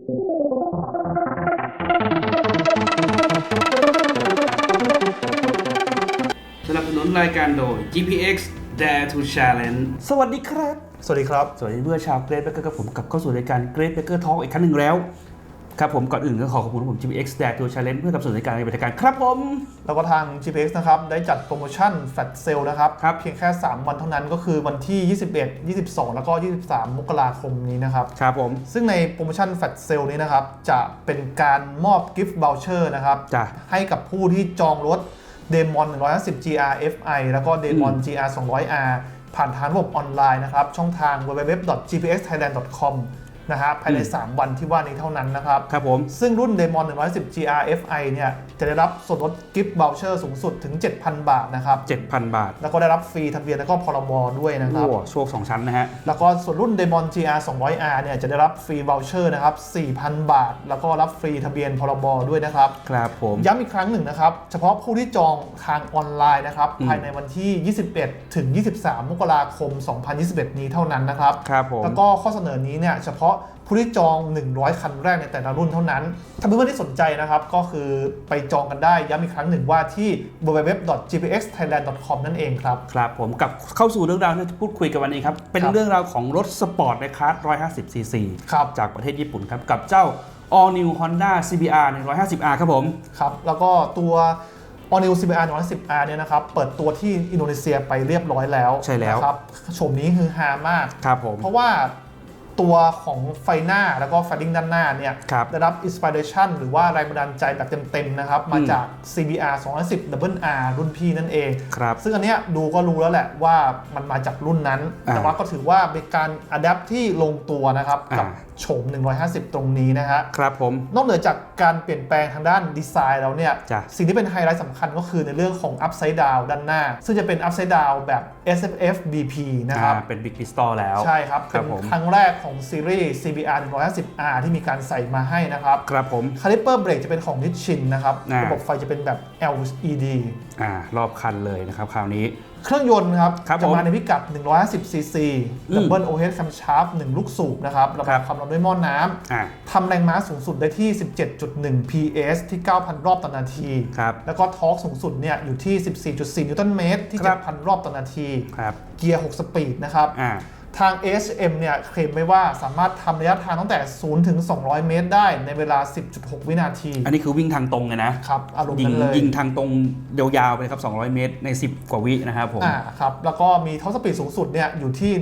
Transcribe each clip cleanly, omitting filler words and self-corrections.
สนับสนุนรายการโดย GPX Dare to Challenge สวัสดีครับสวัสดีครับสวัสดีเพื่อนชาวเกรดเบเกอร์กับผมกลับเข้าสู่รายการเกรดเบเกอร์ทอล์กอีกครั้งหนึ่งแล้วครับผมก่อนอื่นก็ขอขอบคุณผม GPX Dare to Challenge เพื่อกับสู่รายการในบริการครับผมแล้วก็ทาง GPX นะครับได้จัดโปรโมชั่นแฟลชเซลนะครับครับเพียงแค่ 3 วันเท่านั้นก็คือวันที่ 21 22 แล้วก็ 23 มกราคมนี้นะครับครับผมซึ่งในโปรโมชั่นแฟลชเซลนี้นะครับจะเป็นการมอบกิฟต์ voucher นะครับจ้ะให้กับผู้ที่จองรถ Demon 150 GR Fi แล้วก็ Demon GR 200R ผ่านทางระบบออนไลน์นะครับช่องทาง www.gpxthailand.com นะฮะภายใน 3 วันที่ว่านี้เท่านั้นนะครับครับผมซึ่งรุ่น Demon 110 GR Fi เนี่ยจะได้รับส่วนลดกิฟต์ voucher สูงสุดถึง 7,000 บาทนะครับ 7,000 บาทแล้วก็ได้รับฟรีทะเบียนแล้วก็พรบด้วยนะครับโอ้โชค2ชั้นนะฮะแล้วก็ส่วนรุ่น Demon GR 200R เนี่ยจะได้รับฟรี voucher นะครับ 4,000 บาท แล้วก็รับฟรีทะเบียนพรบด้วยนะครับครับผมย้ำอีกครั้งหนึ่งนะครับ เฉพาะผู้ที่จองทางออนไลน์นะครับภายในวันที่ 21 ถึง 23 มกราคม 2021 นี้เท่านั้นนะครับครับผมแล้วก็ข้อเสนอนี้เนี่ยเฉพาะผู้ที่จอง 100 คันแรกในแต่ละรุ่นเท่านั้น ถ้าเพื่อนๆที่สนใจนะครับก็คือไปจองกันได้ย้ำอีกครั้งหนึ่งว่าที่ www.gpxthailand.com นั่นเองครับครับผมกลับเข้าสู่เรื่องราวที่จะพูดคุยกันวันนี้ครับ เป็นเรื่องราวของรถสปอร์ตในคลาส 150cc ครับจากประเทศญี่ปุ่นครับ กับเจ้า All New Honda CBR 150R ครับผมครับแล้วก็ตัว All New CBR 110R เนี่ยนะครับเปิดตัวที่อินโดนีเซียไปเรียบร้อยแล้วใช่แล้วนะครับโฉมนี้คือฮามากครับผมเพราะว่าตัวของไฟหน้าแล้วก็ไฟลิ่งด้านหน้าเนี่ยครับได้รับอินสปิเรชันหรือว่าแรงบันดาลใจแบบเต็มๆนะครับมาจาก CBR 210 R รุ่นพี่นั่นเองครับซึ่งอันเนี้ยดูก็รู้แล้วแหละว่ามันมาจากรุ่นนั้น แต่ว่าก็ถือว่าเป็นการอัดแอปที่ลงตัวนะครับกับโฉม 150 ตรงนี้นะฮะครับผมนอกเหนือจากการเปลี่ยนแปลงทางด้านดีไซน์แล้วเนี่ยจ้ะสิ่งที่เป็นไฮไลท์สำคัญก็คือในเรื่องของ Upside Down ด้านหน้า ซึ่งจะเป็น Upside Down แบบ SFF BP นะครับเป็น Big Pistol แล้วใช่ครับครัเป็บนผมครั้งแรกของซีรีส์ CBR 150R ที่มีการใส่มาให้นะครับครับผมคาลิปเปอร์เบรกจะเป็นของ Nissin นะครับอ่าระบบไฟจะเป็นแบบ LED รอบคันเลยนะครับคราวนี้เครื่องยนต์ครับครับจะผมมาในพิกัด 110cc Double Overhead Camshaft 1 ลูกสูบนะครับระครับายบความร้อนด้วยหม้อน้ำอ่าทำแรงม้าสูงสุดได้ที่ 17.1 PS ที่ 9,000 รอบต่อนาทีครับแล้วก็ทอร์กสูงสุดเนี่ยอยู่ที่ 14.4 นิวตันเมตรที่ครับ 7,000 รอบต่อนาทีครับเกียร์ 6 สปีดนะครับ ทาง ASM เนี่ยเคลมไว้ว่าสามารถทำระยะทางตั้งแต่ 0 ถึง 200 เมตรได้ในเวลา 10.6 วินาทีอันนี้คือวิ่งทางตรงเลยนะครับอารมณ์ยิงนั้นเลยยิงทางตรงยาวๆไปเลยครับ 200 เมตรใน 10 กว่าวินะครับผมครับแล้วก็มีท็อปสปีดสูงสุดเนี่ยอยู่ที่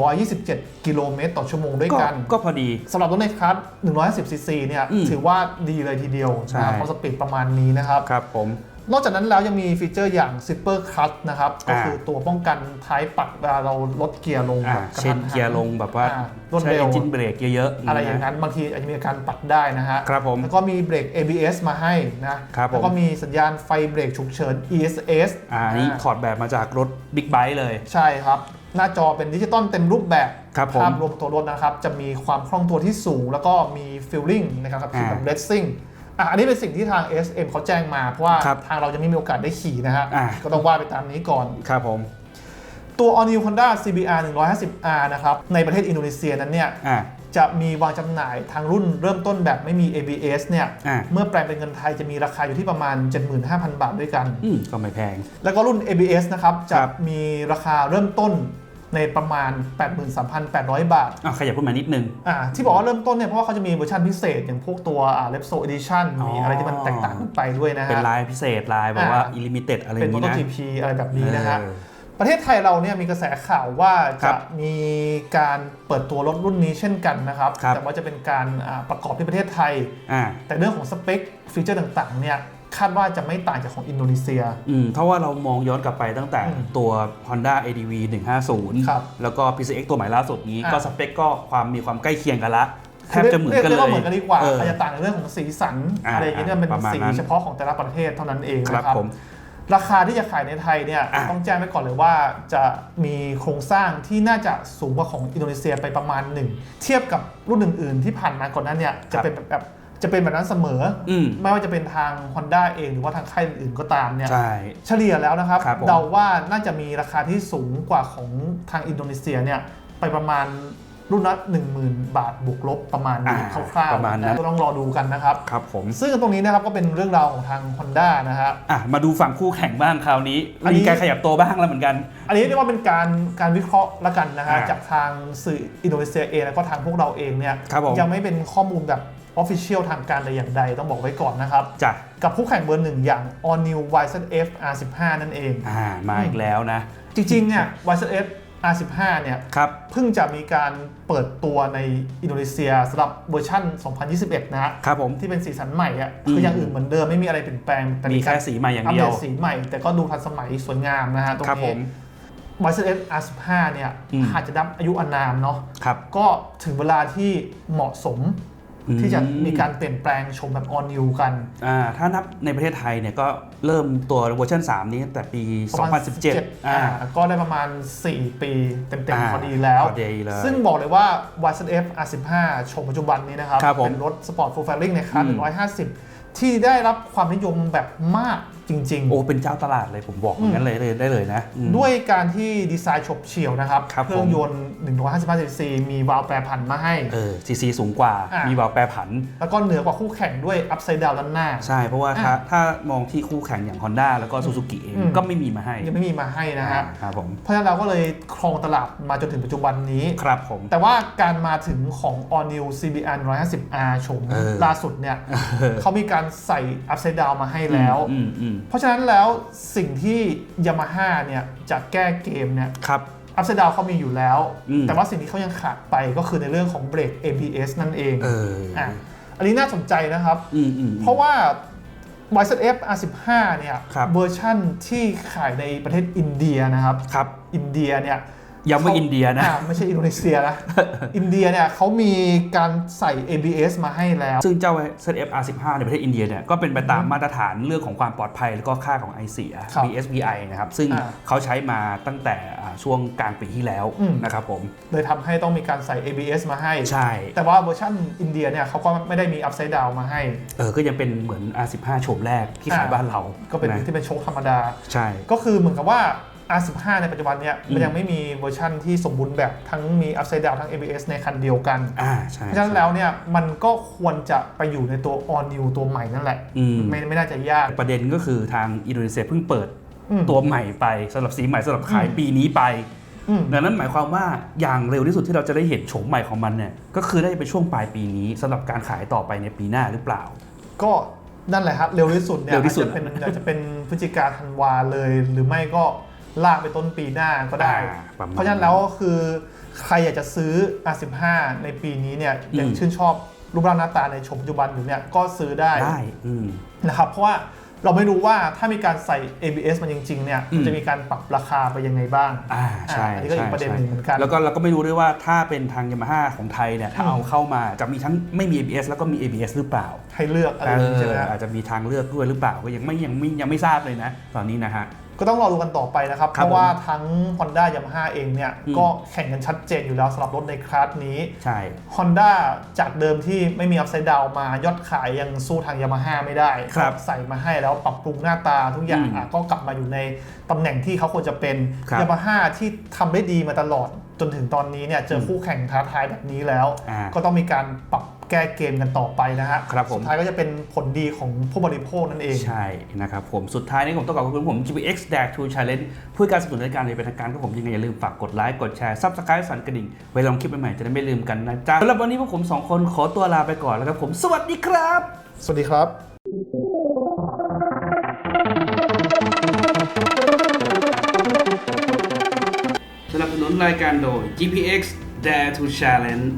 127 กิโลเมตรต่อชั่วโมงด้วยกันก็พอดีสำหรับรถในคลาส 110cc เนี่ยถือว่าดีเลยทีเดียวใช่ท็อปสปีดประมาณนี้นะครับครับผมนอกจากนั้นแล้วยังมีฟีเจอร์อย่าง Zipper Clutch นะครับก็คือตัวป้องกันท้ายปัดเวลาเราลดเกียร์ลงแบบกระเช่ทันนหันเกียร์ลงแบบว่ารวดใช้เร็วเอนจินเบรกเยอะๆอะไรอย่างนั้นบางทีอาจจะมีอาการปัดได้นะฮะครับผมแล้วก็มีเบรก ABS มาให้นะครับผมแล้วก็มีสัญญาณไฟเบรกฉุกเฉิน ESS อันนี้ถอดแบบมาจากรถบิ๊กไบค์เลยใช่ครับ หน้าจอเป็นดิจิตอลเต็มรูปแบบครับผมภาพรวมตัวรถนะครับจะมีความคล่องตัวที่สูง แล้วก็มีฟีลลิ่งนะครับขับขี่แบบเรซซิ่งอันนี้เป็นสิ่งที่ทาง SM เขาแจ้งมาเพราะว่าครับทางเราจะไม่มีโอกาสได้ขี่นะฮะอ่าก็ต้องว่าไปตามนี้ก่อนครับผมตัว All New Honda CBR 150R นะครับในประเทศอินโดนีเซียนั้นเนี่ยจะมีวางจำหน่ายทางรุ่นเริ่มต้นแบบไม่มี ABS เนี่ยเมื่อแปลงเป็นเงินไทยจะมีราคาอยู่ที่ประมาณ 75,000 บาทด้วยกันก็ไม่แพงแล้วก็รุ่น ABS นะครับจะมีราคาเริ่มต้นในประมาณ 83,800 บาทขยับขึ้นมานิดนึงที่บอกว่าเริ่มต้นเนี่ยเพราะว่าเขาจะมีเวอร์ชันพิเศษอย่างพวกตัวRepsol Edition มีอะไรที่มันแตกต่างกันไปด้วยนะฮะเป็นลายพิเศษลายแบบว่า Illimited อะไรอเป็นย่างนี้นะ MotoGP อะไรแบบนี้นะฮะประเทศไทยเราเนี่ยมีกระแสข่าวว่าจะมีการเปิดตัวรถรุ่นนี้เช่นกันนะครับแต่ว่าจะเป็นการประกอบที่ประเทศไทยแต่เรื่องของสเปคฟีเจอร์ต่างๆเนี่ยคาดว่าจะไม่ต่างจากของอินโดนีเซียเพราะว่าเรามองย้อนกลับไปตั้งแต่ตัว Honda ADV 150แล้วก็ PCX ตัวใหม่ล่าสุดนี้ก็สเปคก็มีความใกล้เคียงกันละแทบจะเหมือนกันเลยเรียกว่าเหมือนกันดีกว่าอาจจะต่างในเรื่องของสีสันอะไรอย่างเงี้ยเป็นสีเฉพาะของแต่ละประเทศเท่านั้นเองนะครับราคาที่จะขายในไทยเนี่ยต้องแจ้งไว้ก่อนเลยว่าจะมีโครงสร้างที่น่าจะสูงกว่าของอินโดนีเซียไปประมาณหนึ่งเทียบกับรุ่นอื่นๆที่ผ่านมาก่อนหน้าเนี่ยจะเป็นแบบนั้นเสมอไม่ว่าจะเป็นทาง Honda เองหรือว่าทางค่ายอื่นๆก็ตามเนี่ยเฉลี่ยแล้วนะครับเดาว่าน่าจะมีราคาที่สูงกว่าของทางอินโดนีเซียเนี่ยไปประมาณรุ่นละ 10,000 บาทบวกลบประมาณนี้คร่าวๆประมาณนั้นก็ต้องรอดูกันนะครับครับผมซึ่งตรงนี้นะครับก็เป็นเรื่องราวของทาง Honda นะฮะมาดูฝั่งคู่แข่งบ้างคราวนี้มีการขยับตัวบ้างแล้วเหมือนกันอันนี้เรียกว่าเป็นการวิเคราะห์ละกันนะฮะจากทางสื่ออินโดนีเซียเองแล้วก็ทางพวกเราเองเนี่ยยังไม่เป็นข้อมูลแบบOfficial ทางการแต่อย่างใดต้องบอกไว้ก่อนนะครับกับคู่แข่งเบอร์หนึ่งอย่าง All New YZF R15 นั่นเองมาอีกแล้วนะจริงๆเนี่ย YZF R15 เนี่ยเพิ่งจะมีการเปิดตัวในอินโดนีเซียสำหรับเวอร์ชัน2021นะครับผมที่เป็นสีสันใหม่คืออย่างอื่นเหมือนเดิมไม่มีอะไรเปลี่ยนแปลงแต่มีแค่สีใหม่อย่างเดียวอัปเดตสีใหม่แต่ก็ดูทันสมัยสวยงามนะฮะตรงนี้ YZF R15 เนี่ยอาจจะนับอายุอานามเนาะก็ถึงเวลาที่เหมาะสมที่จะมีการเปลี่ยนแปลงชมแบบ All New กันถ้านับในประเทศไทยเนี่ยก็เริ่มตัวเวอร์ชัน3นี้ตั้งแต่ปี 2017 ก็ได้ประมาณ4 ปีเต็มๆพอดีแล้วซึ่งบอกเลยว่า YZF R15 ชมปัจจุบันนี้นะครับเป็นรถสปอร์ตฟูลแฟลิ่งในคลาส150ที่ได้รับความนิยมแบบมากจริงๆเป็นเจ้าตลาดเลยผมบอกอย่างนั้นเลยได้เลยนะด้วยการที่ดีไซน์ฉบเฉี่ยวนะครับเครื่องยนต์155 cc มีวาล์วแปรผันมาให้ซีสูงกว่ามีวาล์วแปรผันแล้วก็เหนือกว่าคู่แข่งด้วยอัพไซด์ดาวน์ด้านหน้าใช่เพราะว่าถ้ามองที่คู่แข่งอย่าง Honda แล้วก็ Suzuki เองก็ไม่มีมาให้ยังไม่มีมาให้นะฮะครับผมเพราะฉะนั้นเราก็เลยครองตลาดมาจนถึงปัจจุบันนี้ครับผมแต่ว่าการมาถึงของ All New CBR 150R ชมล่าสุดเนี่ยเขามีการใส่อัพไซด์ดาวน์มาให้แล้วเพราะฉะนั้นแล้วสิ่งที่ Yamaha เนี่ยจะแก้เกมเนี่ยอัพไซด์ดาวน์เขามีอยู่แล้วแต่ว่าสิ่งที่เขายังขาดไปก็คือในเรื่องของเบรก ABS นั่นเองอันนี้น่าสนใจนะครับเพราะว่า YZF R15 เนี่ยเวอร์ชั่นที่ขายในประเทศอินเดียนะครับอินเดียเนี่ยยังไม่อินเดียนะไม่ใช่อินโดนีเซียนะอินเดียเนี่ยเขามีการใส่ ABS มาให้แล้วซึ่งเจ้า ZF R15 ในประเทศอินเดียเนี่ยก็เป็นไปตามมาตรฐานเรื่องของความปลอดภัยแล้วก็ค่าของไอเสีย BSVI นะครับซึ่งเขาใช้มาตั้งแต่ช่วงกลางปีที่แล้วนะครับผมเลยทำให้ต้องมีการใส่ ABS มาให้ใช่แต่ว่าเวอร์ชันอินเดียเนี่ยเขาก็ไม่ได้มี Upside Down มาให้ก็ยังเป็นเหมือน R15 โฉมแรกที่ขายบ้านเราก็เป็นที่เป็นโชคธรรมดาใช่ก็คือเหมือนกับว่าR15 ในปัจจุบันเนี่ยมันยังไม่มีเวอร์ชั่นที่สมบูรณ์แบบทั้งมี Upside Down ทั้ง ABS ในคันเดียวกันเพราะฉะนั้นแล้วเนี่ยมันก็ควรจะไปอยู่ในตัว All New ตัวใหม่นั่นแหละไม่น่าจะยากประเด็นก็คือทางอินโดนีเซียเพิ่งเปิดตัวใหม่ไปสำหรับสีใหม่สำหรับขายปีนี้ไปดังนั้นหมายความว่าอย่างเร็วที่สุดที่เราจะได้เห็นโฉมใหม่ของมันเนี่ยก็คือได้ไปช่วงปลายปีนี้สำหรับการขายต่อไปในปีหน้าหรือเปล่าก็นั่นแหละครับเร็วที่สุดเนี่ยอาจจะเป็นพฤศจิกาธันวาเลยหรือไม่ก็ลากไปต้นปีหน้าก็ได้เพราะฉะนั้นแล้วคือใครอยากจะซื้อ R15 ในปีนี้เนี่ยยังชื่นชอบรูปร่างหน้าตาในโฉมปัจจุบันอยู่เนี่ยก็ซื้อได้นะครับเพราะว่าเราไม่รู้ว่าถ้ามีการใส่ ABS มันจริงๆเนี่ยมันจะมีการปรับราคาไปยังไงบ้างใช่อันนี้ก็อีกประเด็นหนึ่งเหมือนกันแล้วก็เราก็ไม่รู้ด้วยว่าถ้าเป็นทาง Yamaha ของไทยเนี่ยถ้าเอาเข้ามาจะมีทั้งไม่มี ABS แล้วก็มี ABS หรือเปล่าให้เลือกอะไรใช่ไหมอาจจะมีทางเลือกด้วยหรือเปล่าก็ยังไม่ทราบเลยนะตอนนี้นะฮะก็ต้องรอดูกันต่อไปนะครับเพราะว่าทั้ง Honda Yamaha เองเนี่ยก็แข่งกันชัดเจนอยู่แล้วสำหรับรถในคลาสนี้ใช่ Honda จากเดิมที่ไม่มี Upside Down มายอดขายยังสู้ทาง Yamaha ไม่ได้ใส่มาให้แล้วปรับปรุงหน้าตาทุกอย่างก็กลับมาอยู่ในตำแหน่งที่เขาควรจะเป็น Yamaha ที่ทำได้ดีมาตลอดจนถึงตอนนี้เนี่ยเจอคู่แข่งท้าทายแบบนี้แล้วก็ต้องมีการปรับแก้เกมกันต่อไปนะฮะสุดท้ายก็จะเป็นผลดีของผู้บริโภคนั่นเองใช่นะครับผมสุดท้ายนี้ผมต้องขอบคุณผม GPX Dash to Challenge เพื่อการสนับสนุนรายการในเป็นทางการก็ผมยังไงอย่าลืมฝากกดไลค์กดแชร์ Subscribe สั่นกระดิ่งไว้ลองคลิปใหม่ๆจะได้ไม่ลืมกันนะจ๊ะสำหรับวันนี้พวกผม2คนขอตัวลาไปก่อนแล้วครับผมสวัสดีครับสวัสดีครับสนับสนุนรายการโดย GPX Dare to Challenge